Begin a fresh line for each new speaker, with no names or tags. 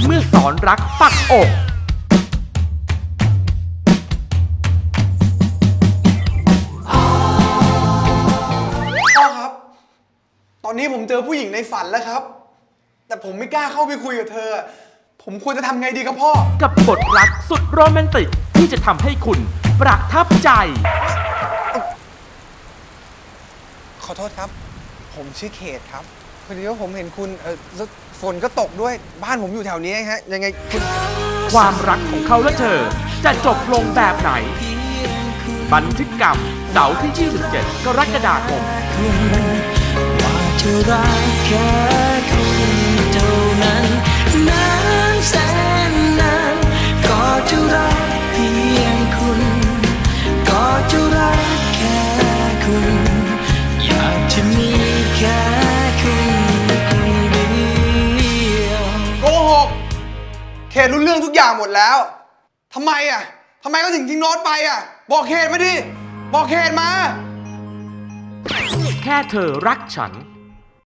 เมื่อสอนรักปักอก
พ่อครับ ตอนนี้ผมเจอผู้หญิงในฝันแล้วครับ แต่ผมไม่กล้าเข้าไปคุยกับเธอ ผมควรจะทำไงดีครับพ่อ
กับบทรักสุดโรแมนติกที่จะทำให้คุณประทับใจ
ขอโทษครับ ผมชื่อเขตครับพอดีว่าผมเห็นคุณฝนก็ตกด้วยบ้านผมอยู่แถวนี้ฮะยังไงคุณ
ความรักของเขาและเธอจะจบลงแบบไหน บันทึกกรรมเสาร์ที่ 27 กรกฎาคม
ว่าจะรักแค่คุณเท่านั้นนานแสนนานก็จะรักเพียงคุณก็จะรักแค่คุณอยากจะมีแค่คุณคนเดียว
โกหกเขตรู้เรื่องทุกอย่างหมดแล้วทำไมทำไมก็ถึงทิ้งโน้ตไปบอกเขตมาดิบอกเขตมา
แค่เธอรักฉัน